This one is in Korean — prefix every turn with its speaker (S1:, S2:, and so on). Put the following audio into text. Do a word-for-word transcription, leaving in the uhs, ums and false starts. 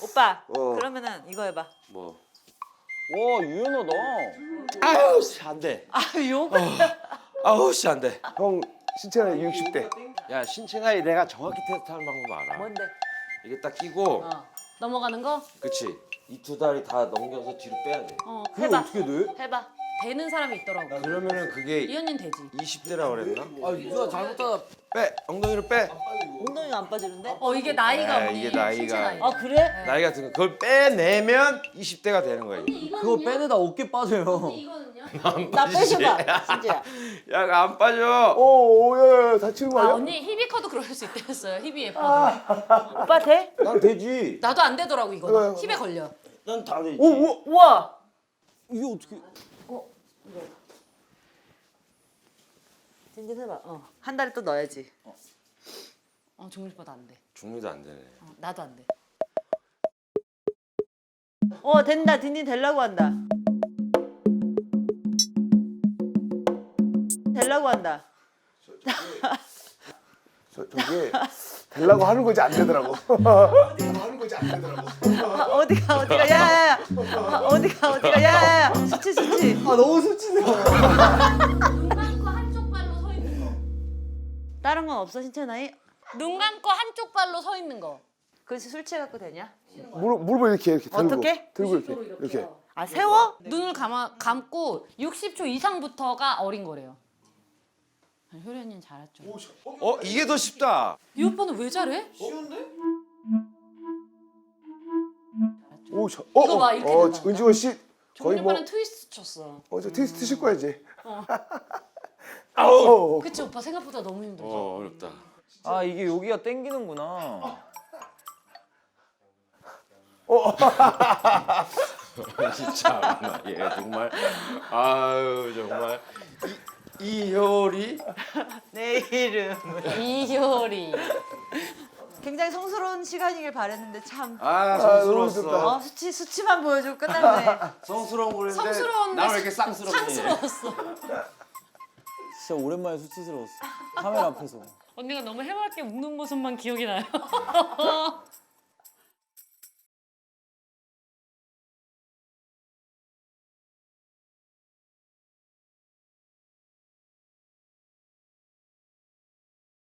S1: 오빠
S2: 어.
S1: 그러면은 이거 해봐.
S2: 뭐?
S3: 와 유연하다.
S2: 아유 씨 안돼.
S1: 아 욕?
S2: 아우 씨 안돼.
S4: 형 신체 나이 육십 대.
S2: 야 신체 나이 내가 정확히 테스트하는 방법 알아.
S1: 뭔데?
S2: 이게 딱 끼고,
S1: 어. 넘어가는 거?
S2: 그치? 이 두 다리 다 넘겨서 뒤로 빼야 돼.
S1: 어
S3: 그게
S1: 해봐.
S3: 어떻게 돼?
S1: 해봐. 되는 사람이 있더라고.
S2: 그러면은 그게
S1: 이 언니는 되지.
S2: 이십 대라 그랬나?
S3: 아 누나 잘못하다.
S2: 빼 엉덩이로 빼.
S1: 엉덩이가 안 빠지는데? 어 이게 나이가
S2: 네,
S1: 언니.
S2: 이게 나이가.
S1: 신체 나이.
S3: 아 그래?
S2: 나이 같은 거 그걸 빼내면 이십 대가 되는 거야. 이게.
S3: 그거 빼내다 어깨 빠져요.
S1: 이거는요?
S2: 나
S1: 빼줘봐, 진짜야.
S2: 야, 그거 안 빠져.
S4: 오오야 다치는 거
S1: 아
S4: 아니야?
S1: 언니 힙이 커도 그럴 수 있다면서요. 힙이 예뻐도. 오빠 돼?
S3: 난 되지.
S1: 나도 안 되더라고 이거는. 힙에 걸려.
S3: 난 다 되지.
S4: 오오
S1: 우와.
S3: 이게 어떻게?
S1: 진진 해봐. 어. 한 다리 또 넣어야지. 어, 어 종민이보다 안 돼.
S2: 중미도 안 되네.
S1: 어, 나도 안 돼. 어 된다. 딘딘 되려고 한다. 되려고 한다.
S4: 저 저게 되려고 하는 거지 안 되더라고. 하는 거지 안 되더라고.
S1: 아, 어디가 어디가 야야야. 아, 어디가 어디가 야야야. 수치 수치.
S3: 아 너무 수치네.
S1: 눈 감고 한쪽 발로 서 있는 거. 다른 건 없어 신체 나이? 눈 감고 한쪽 발로 서 있는 거. 그래서 술 취해 갖고 되냐?
S4: 무릎 무릎을 이렇게 이렇게 들고
S1: 어떻게?
S4: 들고 이렇게 이렇게.
S1: 아 세워? 눈을 감아, 감고 육십 초 이상부터가 어린 거래요. 효리 언니는 잘했죠.
S2: 어, 이게 더 쉽다.
S1: 이 오빠는 왜 잘해?
S4: 오 저, 어,
S1: 이거 봐,
S4: 어,
S1: 이렇게
S4: 어,
S1: 된다.
S4: 은지원 씨 거의
S1: 종민
S4: 뭐
S1: 오빠는 트위스트 쳤어.
S4: 어저 테스트 칠 거야 이제. 아우.
S1: 그치 오빠 생각보다 너무 힘들죠.
S2: 어, 어렵다.
S3: 아 이게 여기가 땡기는구나.
S2: 진짜 얘 정말 아유 정말 이, 이효리
S1: 내 이름은 이효리. 굉장히 성스러운 시간이길 바랬는데 참.
S2: 아
S4: 너무
S2: 성스러웠어.
S1: 어 수치 수치만 보여주고 끝났네.
S2: 성스러운 거였는데
S1: 성스러운데
S2: 나왜 이렇게 쌍스럽니?
S1: 상스러웠어.
S3: 진짜 오랜만에 수치스러웠어. 카메라 앞에서.
S1: 언니가 너무 해맑게 웃는 모습만 기억이 나요.